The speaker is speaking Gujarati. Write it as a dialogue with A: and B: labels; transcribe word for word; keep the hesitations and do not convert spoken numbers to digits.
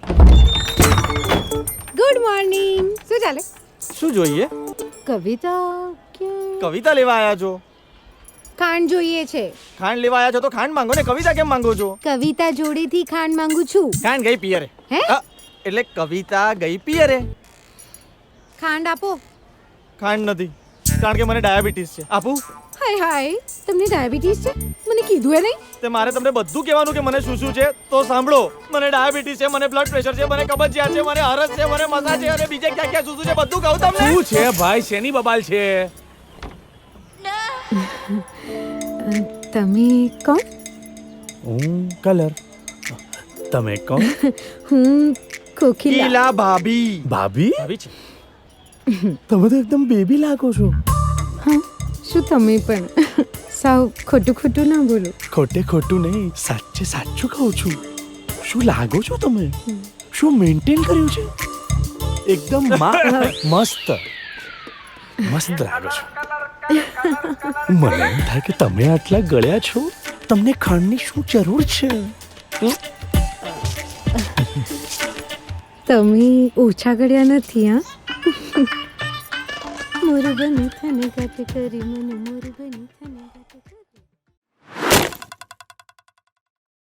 A: Good morning. શું ચાલે?
B: શું જોઈએ?
A: કવિતા કે
B: કવિતા લેવા આયા છો?
A: ખાંડ જોઈએ છે.
B: ખાંડ લેવા આયા છો તો ખાંડ માંગો ને, કવિતા કેમ માંગો છો?
A: કવિતા જોડેથી ખાંડ માંગુ છું.
B: ખાંડ ગઈ પિયરે.
A: હે?
B: અ, એટલે કવિતા ગઈ પિયરે.
A: ખાંડ આપો.
B: ખાંડ નથી, કારણ કે મને ડાયાબિટીસ છે. આપું?
A: હાય હાય, તમને ડાયાબિટીસ છે? મને કીધું એ નહીં.
B: તે મારે તમને બધું કહેવાનું કે મને શું શું છે? તો સાંભળો, મને ડાયાબિટીસ છે, મને બ્લડ પ્રેશર છે, મને કબજિયાત છે, મને હરસ છે, મને મસા છે અને બીજે ક્યાં ક્યાં શું શું છે બધું કહું તમને.
C: શું છે ભાઈ, શેની બબાલ છે?
A: તમે કોણ?
C: હું કલર. તમે કોણ?
A: હું કોકિલા.
B: કીલા ભાભી.
C: ભાભી?
B: ભાભી છે.
C: તમે તો એકદમ બેબી લાગો છો.
A: હા, શું તમે પણ સાવ ખોટું ખોટું ના બોલો.
C: ખોટે ખોટું નહીં, સાચે સાચું કહું છું. શું લાગો છો તમે? શું મેન્ટેન કર્યું છે? એકદમ મા- મસ્ત મસ્ત લાગો છો. મને એમ થાય કે તમે આટલા ગળ્યા છો, તમને ખાંડની શું જરૂર છે?
A: તમે ઓછા ગળ્યા નથી. હા, મોર બની થને ગાતે કરી મને મોર બની થને ગાતે કરી.